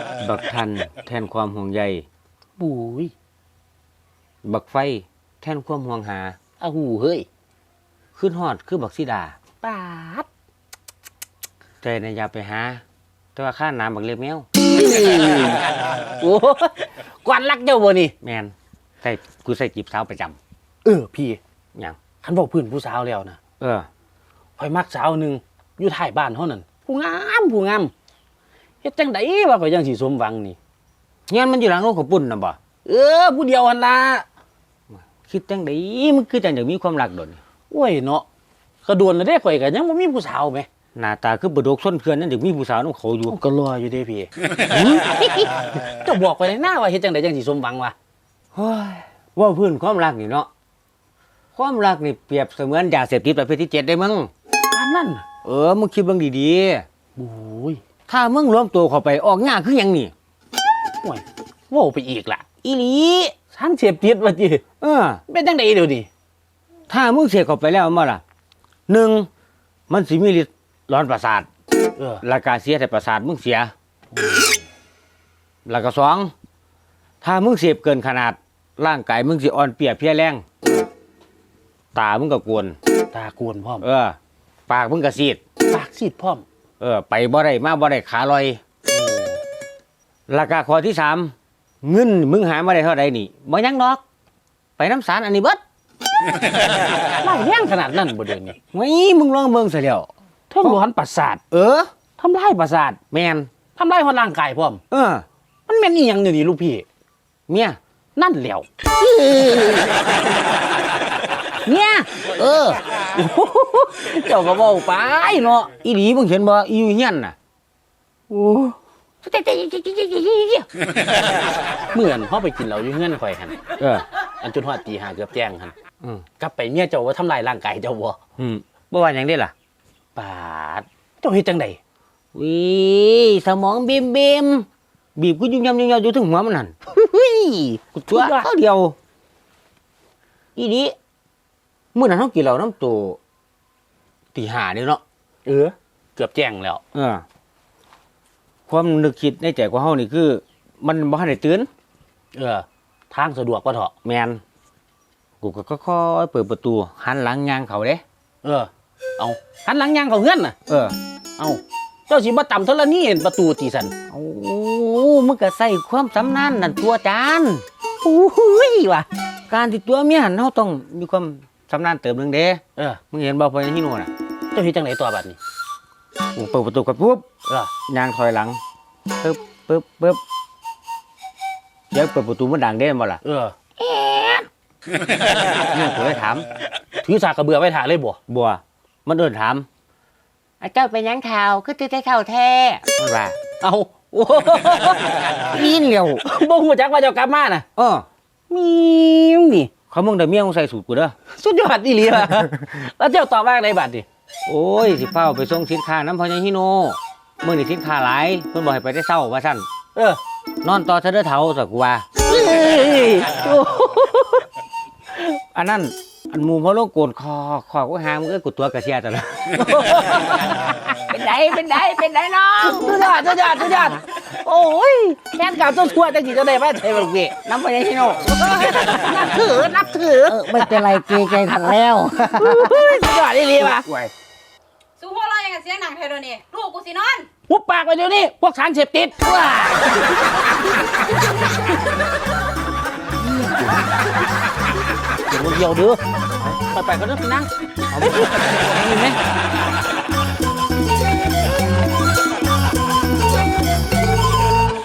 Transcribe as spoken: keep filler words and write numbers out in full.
บักทันแทนความห่วงใยบุยบักไฟแทนความห่วงหาอ้าวหูเฮ้ยขึ้นฮอดคือบักสีดาปาดใจในะอยาไปหา แต่ว่าข้าน้ำบักเล็บแมวโอ้กวนรักเจ้าบ่นี่แมนใส่กูใส่จีบสาวประจเออพี่ำอย่างคันบอกพื้นผู้สาวแล้วนะเออข่อยมักสาวหนึ่งอยู่ท้ายบ้านเฮานั่นผู้งามผู้งามเฮ็ดจังไดว่าข่อยยังสิสมหวังนี่เงี้ยมันอยู่หลังโลกของปุ่นนะบ่เออผู้เดียวหั่นล่ะคิดจังไดมันคือจังอยากมีความรักโดนโอ้ยเนาะก็โดนแล้วเด้ข่อยก็ยังบ่มีผู้สาวแหมหน้าตาคือบดกส้นเพื่อนนั่นเด็กมีผู้สาวน้องเขาอยู่ก็รออยู่เด้พี่ เจ้าบอกไปในหน้าว่าเฮ็ดจังไดจังสิสมหวังวะเฮ้ยว่าเพื่อนความรักนี่เนาะความรักนี่เปรียบเสมือนยาเสพติดประเภทที่เจ็ดได้มึงปานนั้นน่ะเออมึงคิดเบิ่งดีโอ้ยๆถ้ามึงรวมตัวเข้าไปออกง่าคือหยังนี่โอ้ยเว้าไปอีกล่ะอีหลีสารเสพติดว่าติเออเป็นจังไดเดี๋ยวนี้ถ้ามึงเสพเข้าไปแล้วมาล่ะหนึ่งมันสิมีฤทธิ์ร้อนประสาทเออแล้วก็เสียแต่ประสาทมึงเสีย แล้วก็สองถ้ามึงเสพเกินขนาดร่างกายมึงสิอ่อนเปรียเพลียแรงตามึงก็กวนตากวนพร้อมเออ ปากมึงก็ซีดปากซีดพร้อมเออ ไปบ่ได้มาบ่ได้ขาลอยราคาข้อที่สามเงินมึงหามาได้เท่าใดนี่บ่ยังดอก ไปน้ำสารอันนี้เบิดไล่แรงขนาดนั้นบ่เดี๋ยวนี้ไว้มึงลองเบิ่งซะแล้วเทั้งร้อนประสาทเออทำลายประสาทแม่นทำลายฮอดร่างกายพร้อมเออมันแม่นอีหยังเดี๋ยวนี้ลูกพี่เมียนั่นแหล้วเนี่ยเออเจ้าก็เว้าไปเนาะอีหลีมึงเห็นบ่อีอยู่เฮียนน่ะโอ้เหมือนเฮาไปกินเหล้าอยู่เฮือนข่อยหั่นเอออันจนฮอดตีห้าเกือบแจ้งหั่นอืมกลับไปเมียเจ้าว่าทำลายร่างกายเจ้าบ่อืมบ่ว่าหยังเด้ล่ะปาดเจ้าเฮ็ดจังได๋วิสมองบีมบีมบีบกูยุ่งยำยุ่งยำอยู่ถึงหัวมันนั่นเฮ้ยกูตัวเขาเดียว อีนี้เมื่อนั้นเขากินเหล้าน้ำตัวตีหาเด้เนาะเออ เกือบแจ้งแล้วเออ ความนึกคิดในใจของเฮานี่คือ มันบ่ทันได้ตื่นเออ ทางสะดวกกว่าเถาะแมนกูก็ค่อยๆเปิดประตูหันหลังยางเขาเด้เออ เอาหันหลังย่างเข้าเฮือนน่ะเออเอาเจ้าสิบ่ต่ำเท่าละนี่เห็นประตูตีสันโอ้มึงก็ใส่ความสำนานนั่นตัวจานโอ้ยว่ะการที่ตัวเมียหันเฮาต้องมีความสำนานเติมหนึงเด้เออมึงเห็นบ่พอฮิโน่น่ะเจ้าเฮ็ดจังไดตัวบัดนี้กูเปิดประตูกันปุ๊บเออยางถอยหลังปึ๊บปึ๊บปึ๊บเดี๋ยวเปิดประตูมันดังเด้บ่ล่ะเออเนี่ยกูเลยถามถือสากกระเบือไว้ถ่าเลยบ่บัว มันเดินถามไอ้เจ้าเป็นหยังข่าวคือตื่นแต่ข่าวแท้มันว่าเอาโอ้ลีนเร็วบ่ฮู้จักว่าเจ้ากลับมาน่ะเออมีมนี่เขามึงได้เมียมึงใส่สูตรกูเด้อสุดยอดอีหลีว่ะ แล้วเจ้าตอบว่าไงบัดนี้โอ้ยสิเฝ้าไปส่งสินค้าน้ำพอยังฮิโนมึงนี่สินค้าหลายเพิ่นบอกให้ไปได้เศร้าว่าซั่นเออนอนต่อเธอเด้อเฒ่าสักว่าเอ้ยโอ้อันนั้นอันหมู่พอโลกโกนคอคอกูหามึงเอ้ยกูตัวกระเสียตะละเป็นไดเป็นไดเป็นไดน้องสุดยอดสุดยอดสุดยอดโอ้ยแฟนเก่าตัวทั่วจังสิจะได้มาใช่บ่ลูกพี่น้ำพอยังฮิโนนับถือนับถือเออไม่เป็นไรเกรงใจทันแล้วสุดยอดอีหลีว่ะสู้พวกเราอย่างกับเสียงหนังเทโดนี่ลูกกูสินอนหุบปากไปเดี๋ยวนี้พวกสารเสพติดว้าเดี๋ยวเดียวเด้อไปไปก็เด้อพี่นั่งเอาไปไหม